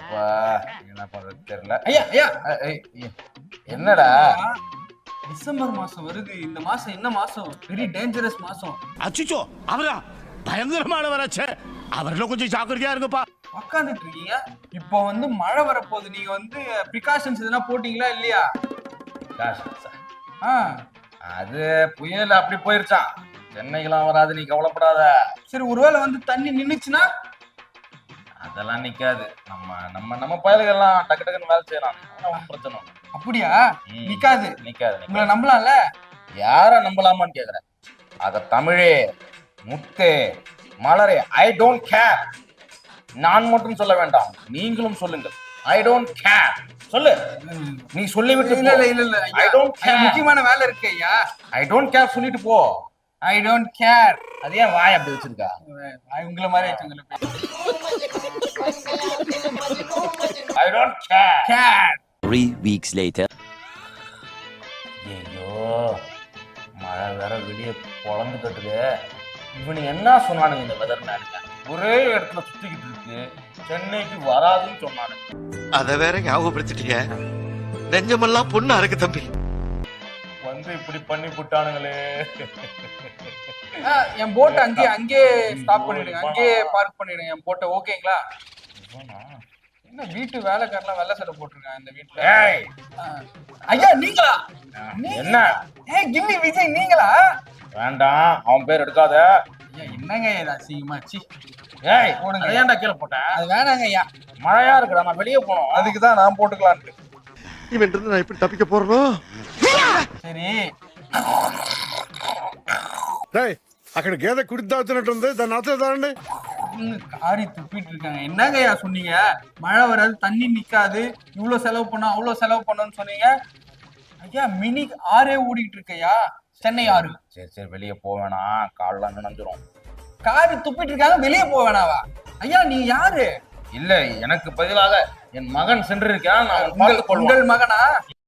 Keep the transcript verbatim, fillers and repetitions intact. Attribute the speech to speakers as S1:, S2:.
S1: அப்பா என்ன பண்றது தெரியல. ஐயா ஐயா என்னடா
S2: டிசம்பர் மாசம் வருது. இந்த மாசம் என்ன மாசம்? வெரி டேஞ்சரஸ் மாசம்.
S3: அச்சுச்சோ அவரா பயங்கரமானவராச்சே. அவர்ல கொஞ்சம் ஜாக்கிரதையா இருங்கப்பா.
S2: உட்காந்துட்டு இருக்கீங்க. இப்போ வந்து மழை வரப்போகுது. நீங்க வந்து ப்ரிகாஷன்ஸ் எதனா போட்டீங்களா இல்லையா? ஆ
S1: அது புயல் அப்படி போயிருச்சான். சென்னைக்கெல்லாம் வராது, நீ கவலைப்படாத.
S2: சரி, ஒருவேளை வந்து தண்ணி நின்னுச்சுன்னா?
S1: அதெல்லாம் நிக்காது. நம்ம நம்ம நம்ம பயல்கள்லாம் டக்கு டக்குன்னு வேலை செய்யலாம். பிரச்சனை
S2: அப்படியா? நிக்காது
S1: நிக்காது.
S2: உங்களை நம்பலாம்ல?
S1: யார நம்பலாமான்னு கேக்குற? அத தமிழே முத்தே மலரே ஐ டோன்ட் கேர். நான் மட்டும் சொல்ல வேண்டாம், நீங்களும் சொல்லுங்கள். I don't care. சொல்லு. நீ சொல்லி விட்டு
S2: இல்ல இல்ல இல்ல இல்ல
S1: ஐ டோன்ட் கேர்.
S2: முக்கியமான வேலை இருக்கு ஐயா.
S1: ஐ டோன்ட் கேர் சொல்லிட்டு போ.
S2: I don't care.
S1: அது ஏன் வாய் அப்படி வச்சிருக்கா?
S2: உங்களை மாதிரி வச்சுங்களேன்.
S1: I don't care.
S2: Care.
S4: Three weeks later.
S1: ஐயோ மழை வேற வெளியே பொழந்து கட்டுது. இவனு என்ன சொன்னானுங்க இந்த வெதர் மேனுங்க? ஒரே இடத்துல சுத்திக்கிட்டு இருக்கு. சென்னைக்கு வராதுன்னு சொன்னானுங்க.
S5: அத வேற ஞாபகப்படுத்திட்டீங்க. நெஞ்சமெல்லாம் பொண்ணா இருக்கு தம்பி.
S1: வந்து இப்படி பண்ணி விட்டானுங்களே.
S2: என் போட்டை அங்கேயே அங்கேயே ஸ்டாப் பண்ணிடுங்க. அங்கேயே பார்க் பண்ணிடுங்க என் போட்டை. ஓகேங்களா? என்ன வீட்டு வேலைக்காரலாம் வெள்ளை சட்டை போட்டிருக்காங்க இந்த வீட்டுல. ஐயா நீங்களா?
S1: என்ன?
S2: ஏய் கிம்மி விஜய் நீங்களா?
S1: வேண்டாம், அவன் பேர் எடுக்காத.
S2: ஐயா என்னங்க இது அசிங்கமா? சி
S1: ஏய் போடுங்க. ஏன்டா கீழே போட்டேன்?
S2: அது வேணாங்க ஐயா.
S1: மழையா இருக்குடா, நான் வெளியே போனோம்.
S2: அதுக்கு தான் நான் போட்டுக்கலான்ட்டு.
S5: இவன் இருந்து நான் எப்படி தப்பிக்க போறனோ?
S2: సరే
S6: டேய் అక్కడ గేదె కుడి తాగుతున్నట్టుంది, దాన్ని ఆచలేదాండి.
S2: காரி துப்பிட்டு இருக்காங்க. என்னங்கய்யா சொன்னீங்க? மழை வராது, தண்ணி நிக்காது, இவ்வளவு செலவு பண்ணோம் அவ்வளவு செலவு பண்ணோம்னு சொன்னீங்க. ஐயா மினி ஆறே ஓடிட்டு இருக்கையா, சென்னை ஆறு.
S1: சரி சரி வெளியே போவேணாம், கால்லாம் நனைஞ்சிரும்.
S2: காரி துப்பிட்டு இருக்காங்க, வெளியே போக வேணாவா? ஐயா நீ யாரு?
S1: இல்ல, எனக்கு பதிலாக என் மகன் சென்றிருக்கான். நான்
S2: உங்கள் மகனா?